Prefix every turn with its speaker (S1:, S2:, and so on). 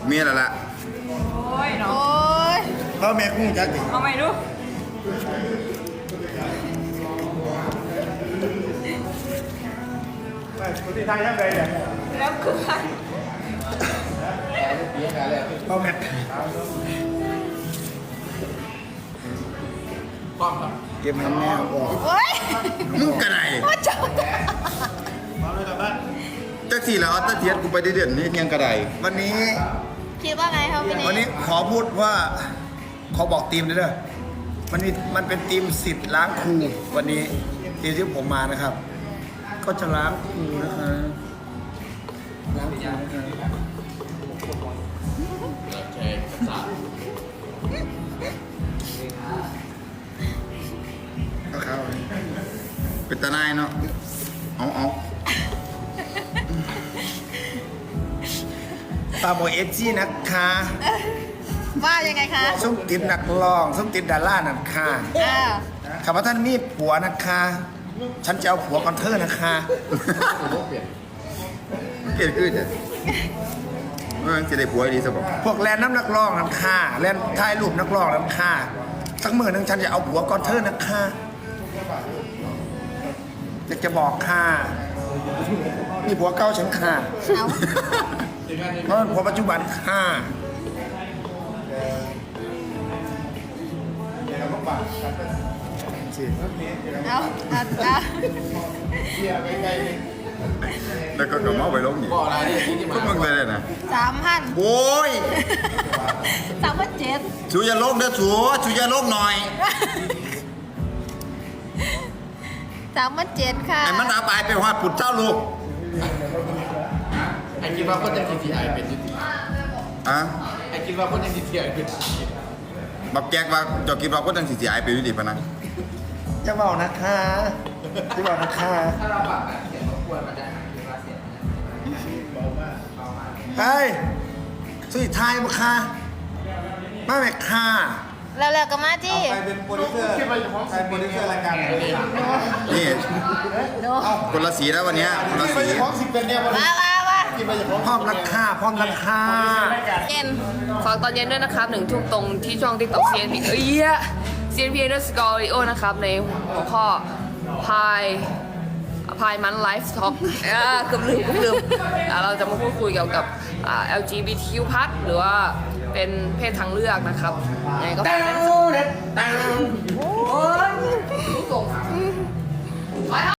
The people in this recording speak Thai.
S1: มีอะไรละ
S2: โอ้ยเนาะ
S3: พ่อแม่กุ้งจักดิ
S2: เอาไม่รู้
S3: คนที่ไทยยังไงเนี่ย
S2: แล้วคือ
S3: พ่อแม่เก็บให้แม่ออก
S2: โอ้ย
S1: มึงกระไร
S2: ว่าจับ
S3: มาเลยกลับบ้าน
S1: จักสี่แล้วตะเทียนกูไปเดือนนี่ยังกระไร
S3: วันนี้
S2: คิดว่าไงครับพี่
S3: วัน
S2: นี่
S3: นี้ขอพูดว่าขอบอกทีมเลยเด้อมันเป็นทีมสิทธิ์ล้างครูวันนี้ทีมที่ผมมานะครับ ก็จะล้างครูนะคะล้างครูนะคะเอาเข้าเลย
S1: เป็นตาหนายเนาะเอา
S3: ตาโมเอจีนะคะ
S2: ว่ายังไงคะ
S3: ส้มติดนักร้องส้มติดดารานันค่ะ
S2: อ้าว
S3: ข้าพเจ้ามีผัวนะคะ ฉันจะเอาผัวก่อนเธอนะคะ
S1: เกลียดขึ้นจ้ะจะได้ผัวดีสบอง
S3: พวกแลนน้ำนักร้องนันค่ะแลนถ่ายรูปนักร้องนันค่ะสักมือหนึงฉันจะเอาผัวก่อนเธอนะคะอยากจะบอกค่ะนี่ผัวเก่าฉันค่ะ
S2: เอา
S3: เพราะผัวปัจจุบันค่ะสิ
S2: เอา
S1: แล้วก็กระเมาไปลงอีกก็มึงเลยนะ
S2: 3,000
S1: โอ้ย
S2: 3,700
S1: ชูอย่าลงเด้อชูอย่าลงหน่อย
S2: 3,700ค่ะ
S1: ไอ้มันอาบายไปหอดปุดเจ้าลูก
S4: ไอ้คิดว่าคนยัง GTI เป็นยุติ
S1: อ่ะ
S4: ไอ้คิดว่าคนยัง GTI เป็น
S1: บักแจกว่าจะคิดว่าคนตั้งสิสิอายไปวิธีปะนะ
S3: จะบอกนะคะจะบอกนะคะ
S4: ถ้าเราปรับแบบเสียงรบกวนมันจะหายเวลาเสียง
S3: เฮ้ยสุดท้ายมาค่ะมาแม่ค่ะ
S2: แล้วก็มาที่
S3: ใครเป็นโปรดิวเซอร์ใครโปรดิวเซอร์รายการไหน
S1: นี่
S2: ดู
S1: คนละสีแล้ววันเนี้ยคนละสี
S3: ของสิบเป็นเนี่ย
S2: ว่า
S3: พร้อมราคาพร้อมราคา
S5: เย็นฝากตอนเย็นด้วยนะครับ1 ทุ่มตรงที่ช่อง TikTok CNP CNP _Audio นะครับในหัวข้อพายมันไลฟ์ท็อกเกือบลืมเราจะมาพูดคุยเกี่ยวกับLGBTQ+ หรือว่าเป็นเพศทางเลือกนะครับยังไงก็ฝากด้วยนะครับ